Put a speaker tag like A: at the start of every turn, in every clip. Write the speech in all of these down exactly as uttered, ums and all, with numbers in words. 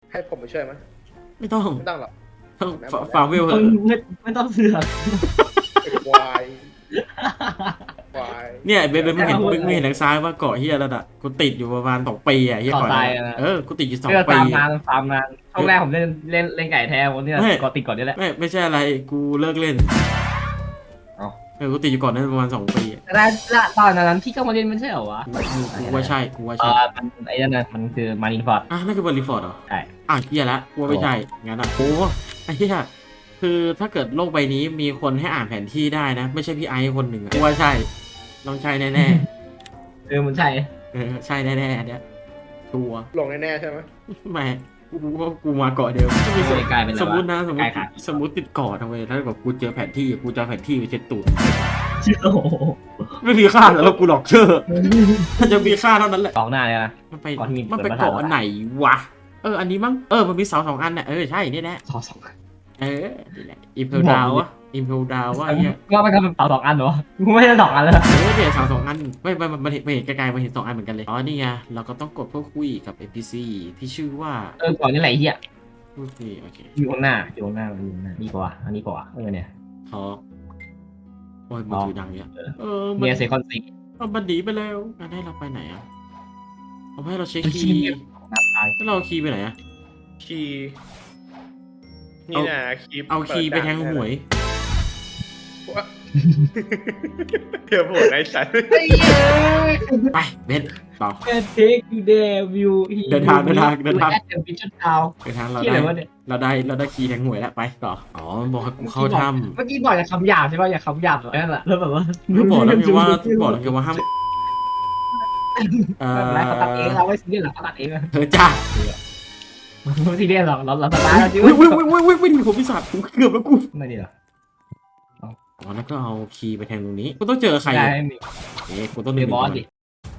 A: ให้ผมไปช่วยไหม
B: ไม่ต้อง
A: ไม่ต้องหรอก
B: ต้องฟาร์มเวลเหรอ
C: ไม่ไม่ต้องเสือก
A: ไอ้ควายควาย
B: เนี่ยเบนเบนไม่เห็นมึงไม่เห็นทางซ้ายว่าเกาะเฮียแล้วอ่ะกูติดอยู่ประมาณสองปีอ่ะเฮีย
C: ต่อ
B: เกาะ
C: ตาย
B: เนี่ย
C: นะ
B: เออกูติดอยู่สอง
C: เพื่อ
B: ปี
C: ฟาร์มนานฟาร์มนานช่วงแรกผมเล่นเล่นเล่นไก่แท้วันนี้ก่อนติดก่อนนี่แหละ
B: ไม่ไม่ใช่อะไรกูเลิกเล่น
C: เอ้า
B: เออกูติดอยู่ก่อนนั้นประมาณสองปีอะ
C: แต่ละตอนนั้นพี่ก็มาเล่นไม่ใช่เหรอวะ
B: กูกูว่าใช่กูว่า
C: เอ
B: ใช่
C: อมันไอ้นั่นน่ะมันคือมารินฟอร์ด
B: อ่ะนั่นคือบริฟอร์ดเหรอ
C: ใช่
B: อ่ะเฮียละกูว่าไม่ใช่งั้นอ่ะโอ้ไอ้เฮียคือถ้าเกิดโลกใบนี้มีคนให้อ่านแผนที่ได้นะ ไม่ใช่พี่ไอซ์คนหนึ่งอะกูว่าใช่ต้องใช่แน่
C: เออมันใช่
B: ๆเออใช่แน่ๆอันเนี้ยชัวร์
A: หลงแน่ๆใช่ไหม
B: ไม่กูรู้ว่ากูมาเกาะเดียว
C: ไม่กลายเป็น
B: สมมตินะสมม
C: กลา
B: ติ
C: ยขาด
B: สมมติติดเกาะทำไมถ้าแบบกูเจอแผนที่กูจะเอาแผนที่ไปเช็ดตูด
C: โอ้โห
B: ไม่มีค่าแล้วกูหลอกเชื่อถ้าจะมีค่าเท่านั้นแหละ
C: กองหน้าเลยนะ
B: มันไป
C: เกาะที่มี
B: มันไป
C: เปิด
B: เกาะ
C: ประธาน
B: อันไหนวะเอออันนี้มั้งเออมันมีเสาสองอันน่ะเออใช่นี่แหละ
C: สองสอง
B: เออนี่แหละอิมเพลดาววะอิมเพลดาววะไอ้เนี่ย
C: ก็มันก็เป็นเป่าสองอันเหรอกูไม่ได้สองอันเลย
B: เออเนี่ยเสาสองอันไม่ไม่มันเห็นไม่เห็นไกลๆมันเห็นสองอันเหมือนกันเลยอ๋อนี่ไงเราก็ต้องกดเพื่อคุยกับ เอ็น พี ซี ที่ชื่อว่า
C: เออก่อนนี่แหละไอ้เหี้ย
B: โอเคโอเค
C: อยู่ข้างหน้าอยู่ข้างหน้าอยู่ข้างหน้านี่กว่าอันนี้กว่าเออเนี่ย
B: ทอโอ้ยมือถือดังเนี่ยเออมัน
C: เมียเซคอนซิก
B: เอามันหนีไปแล้วงั้นให้เราไปไหนอ่ะเอาให้เราเช็ค
C: เป็น
B: คี
C: ขี้
B: ย์
C: เกียจหน้าตาย
B: แล้วเราเอาคีย์ไปไหนอ่ะ
A: คีย์นี่นะคีย์
B: เอาคีย์ไปแทงหวย
A: วะเดี๋ยวผมไอ้สัตว์
B: ไปเบนต่อ
C: แค่เทคยูเดวิว
B: เดินทางเดินทางเดินทาง
C: แอดเดวิชั่นทาว
B: ไปทางเรา
C: ที่
B: ได้
C: อะไรวะเนี่ย
B: เราได้เราได้คีย์แทงหวยแล้วไปต่ออ๋อมันบอกให้กูเข้าถ้ำ
C: เมื่อกี้บอกอย่าคำหยาบใช่ป่ะอย่าคำหยาบแบบนั่นแหละแล้วแบบว่า
B: ก็บอกแล้วไงว่าบอกแล้วไงว่าห้ามเอ
C: แบบไรเขาตัดเอง
B: อ
C: เราไม่ซีเรียสหรอกเขาตัดเองอะ
B: เธอจ้า
C: ไม่ซีเรียสหรอกเราเราสตาร์ทเราจิ้ว
B: วิ่งวิ่งวิ่งวิ่งวิ่งวิ่งผมพิศาจกูเกือบแล้วกู
C: ไม่ดีหรอ
B: อ๋อแล้วก็เอาคีย์ไปแทงตรงนี้กูต้องเจอใคร
C: ได้
B: อ่ะ
C: ไม่มี
B: เอ๊ะกูต้อง
C: เด
B: เดิน
C: บอสดิ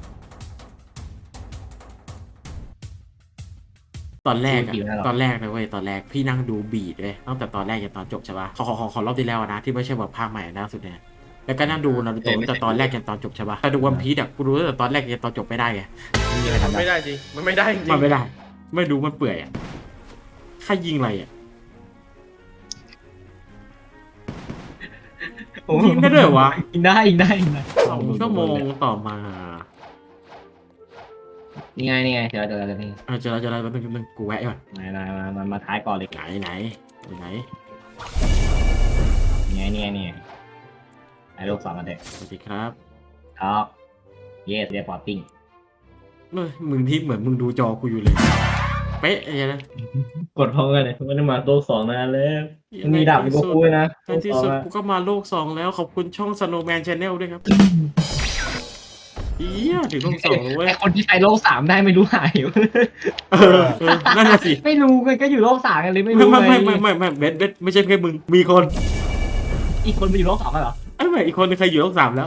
B: ตอนแรกอะ
C: ดูกี่แล้วหรอ
B: ตอนแรกนะเว้ยตอนแรกพี่นั่งดูบีดเลยตั้งแต่ตอนแรกจนตอนจบใช่ปะขอขอขอขอรอบที่แล้วนะที่ไม่ใช่แบบภาคใหม่ล่าสุดเนี่ยแล้วก็นั่งดูนารูโตะตั้งแต่ตอนแรกจนตอนจบใช่ปะแต่ดูวันพีซอะกูรู้ตั้งแต่ตอนแรกจนตอนจบไม่ได้ไง
C: ไม่มีอะไร
A: มัน
C: ทำ
A: ไม่
C: ได้
A: ได้จริงมันไม่ได้จริง
B: มันไม่ได้ ไม่ดูมันเปื่อยอะใครยิงอะไรอะยิงได้ด้วยเหรอวะ
C: ยิงได้ยิงได้ยิงได้
B: สองชั่วโมงต่อมา
C: นี่ไงนี่ไงเจอเจอเจอนี่
B: เออเจอแล้วเจอแล้วแป๊บนึงแป๊บนึงกูแวะก่อน
C: มามามามามาท้ายก่อนเลย
B: ไหนไหนไหน
C: นี่ไงนี่ไงนี่ไงไอ้ลูกสองกันเด็ก
B: สวัสดีครับ
C: ท็อปเยสเรียบร้อยปิ้ง
B: เอ้ยมึงที่เหมือนมึงดูจอกูอยู่เลยเป๊ะไอ้นะ
C: กดพร้อมกันเลยไม่ได้มาโลกสองนานแล้วมีดาบมีโกคุยนะ
B: ในที่สุดกูก็มาโลกสองแล้วขอบคุณช่อง Snowman Channel ด้วยครับเอียถึงโลกสองแล้วเว้ย
C: ไอคนที่ไปโลกสามได้ไม่รู้หาย
B: เออเออนั่นน่ะสิ
C: ไม่รู้กันก็อยู่โลกสามกันเลยไม่
B: ไม่
C: รู้
B: ไม่
C: ไง
B: ไม่ไม่ไม่ไม่เบสเบสไม่ใช่แค่มึงมีคน
C: อีกคนไปอยู่โลกสองกันเหรอ
B: ไอ้แม่อีกคนนึงใครอยู่โลกสามแล้ว